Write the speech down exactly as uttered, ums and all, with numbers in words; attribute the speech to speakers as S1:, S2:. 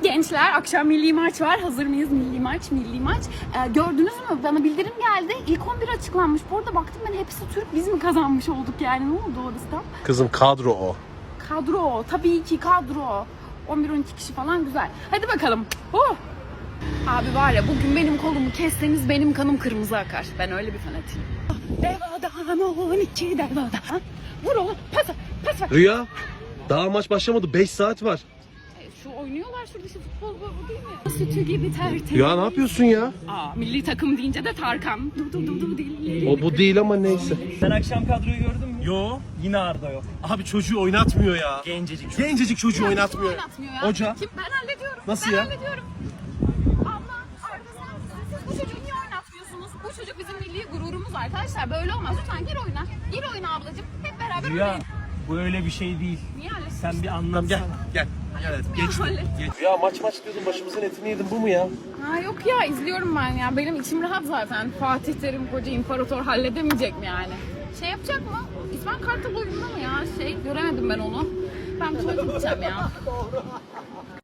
S1: Gençler, akşam milli maç var. Hazır mıyız? Milli maç, milli maç. Ee, gördünüz mü? Bana bildirim geldi. İlk on bir açıklanmış. Bu arada baktım ben, hepsi Türk. Biz mi kazanmış olduk yani? Ne oldu orası?
S2: Kızım kadro o.
S1: Kadro. Tabii ki kadro. on bir on iki kişi falan güzel. Hadi bakalım. Oh! Abi var ya, bugün benim kolumu kesseniz benim kanım kırmızı akar. Ben öyle bir fanatiyim. Devadan on iki devadan. Vur oğlum. Pas ver. Pas ver.
S2: Rüya, daha maç başlamadı. beş saat var.
S1: Şu oynuyorlar şurada, şu futbol bu değil mi? Sütü gibi tertemiz.
S2: Rüya ne yapıyorsun ya?
S1: Aa, milli takım deyince de Tarkan. Du du du du dilleri.
S2: O bu değil ama neyse.
S3: Sen akşam kadroyu gördün mü?
S2: Yo.
S3: Yine Arda yok.
S2: Abi çocuğu oynatmıyor ya.
S3: Gencecik çocuk.
S2: Gencecik çocuğu
S1: Kim
S2: oynatmıyor.
S1: oynatmıyor ya?
S2: Hoca.
S1: Kim? Ben hallediyorum.
S2: Nasıl
S1: ben
S2: ya?
S1: hallediyorum. Abla, Arda sen, siz bu çocuğu niye oynatmıyorsunuz? Bu çocuk bizim milli gururumuz arkadaşlar. Böyle olmaz. Lütfen gir oyuna. Gir oyuna ablacığım. Hep beraber
S3: Rüya,
S1: oynayın.
S3: bu öyle bir şey değil.
S1: Niye hallettin?
S3: Sen bir
S2: Tamam
S3: anlatsana.
S2: gel. Gel. Gel hadi. Geç.
S1: Hallettim.
S2: Geç. Rüya maç maç diyordun, başımızın etini yedin, bu mu ya?
S1: Ha yok ya, izliyorum ben ya. Benim içim rahat zaten. Fatih Terim koca imparator halledemeyecek mi yani? Şey yapacak mı? İsmail Kartal oyunda mı ya? Şey göremedim ben onu. Ben tuvalete gideceğim ya.